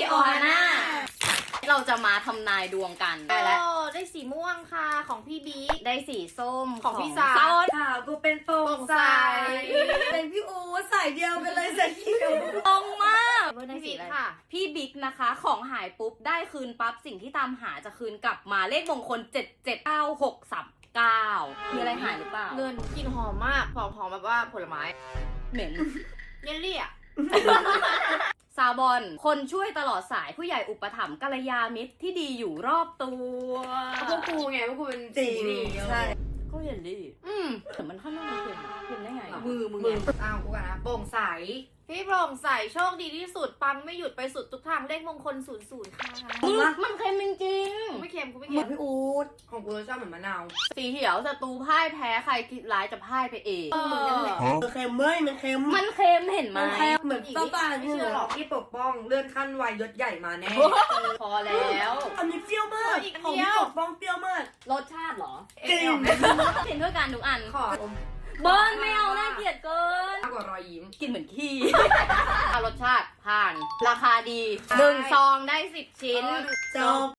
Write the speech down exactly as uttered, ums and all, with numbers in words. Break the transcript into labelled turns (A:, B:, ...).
A: โอฮาน่าเราจะมาทำนายดวงกันได้แล้ว
B: ได้สีม่วงค่ะของพี่บิ๊ก
A: ได้สีส้ม
B: ของพี่สา
A: ส้ม
C: ข่าวกูเป็นโปร่งใสเป็นพี่อูใส่เดียวกันเลยใส่เขียว
A: ตรงมาก
B: พี่
A: ได้สี
B: บิ๊ก
A: อะไร
B: ค่ะ
A: พี่บิ๊กนะคะ ของหายปุ๊บได้คืนปั๊บสิ่งที่ตามหาจะคืนกลับมาเลขมงคลเจ็ดเจ็ดเก้าหกสามเก้ามีอะไรหายหรือเปล่า
B: เงินกลิ่นหอมมากหอมหอมแบบว่าผลไม้
A: เหม็น
B: เยลลี่อ่ะ
A: ซาบอนคนช่วยตลอดสายผู้ใหญ่อุปถัมภ์กัลยาณมิตรที่ดีอยู่รอบตัว
B: พวกกูไงพวกกูเป็น
C: จริงใช่
A: ก็เยลลี่
B: อืม
A: แต่มันข้างนอกมันเค็มเค็มได้ไง
B: มือมึง
C: มือ
B: อ้าวกูกันนะโปร่งใสพี่โปร่งใสโชคดีที่สุดปังไม่หยุดไปสุดทุกทางเลขมงคลศูนย์ศูนย์ค่ะ
A: มึงมันเค็มจริง
B: กูไม่เค็มกูไม่
C: เหมื
B: เค็
C: อน
B: ม
C: พี่อูดของกูรสชาติเหมือนมะนาว
A: ๆสีเขียวศัตรูพ่ายแพ้ใครคิดร้ายจะพ่ายไปเอง
B: เออ
C: มันเค็มเว้ยมันเค็ม
A: มันเค็มเห็นไหม
C: มันเค็มเหมือนป้าป้าที่หรอกที่ปกป้องเลื่อนขั้นวัยยศใหญ่มาแน่
A: พอแล้ว
C: อันนี้เปรี้ยวมากของพี่ปกป้องเปรี้ยวมาก
A: รสชาติเหรอ
C: จริง
A: กินเพื่อการทุกอัน
B: ขอ
A: เบิร์นไม่เอาน่าเกลียดเกิน
B: มากกว่ารอยยิ้ม
A: กินเหมือนขี้ เอารสชาติผ่าน ราคาดีหนึ่งซองได้สิบชิ้น
C: จบ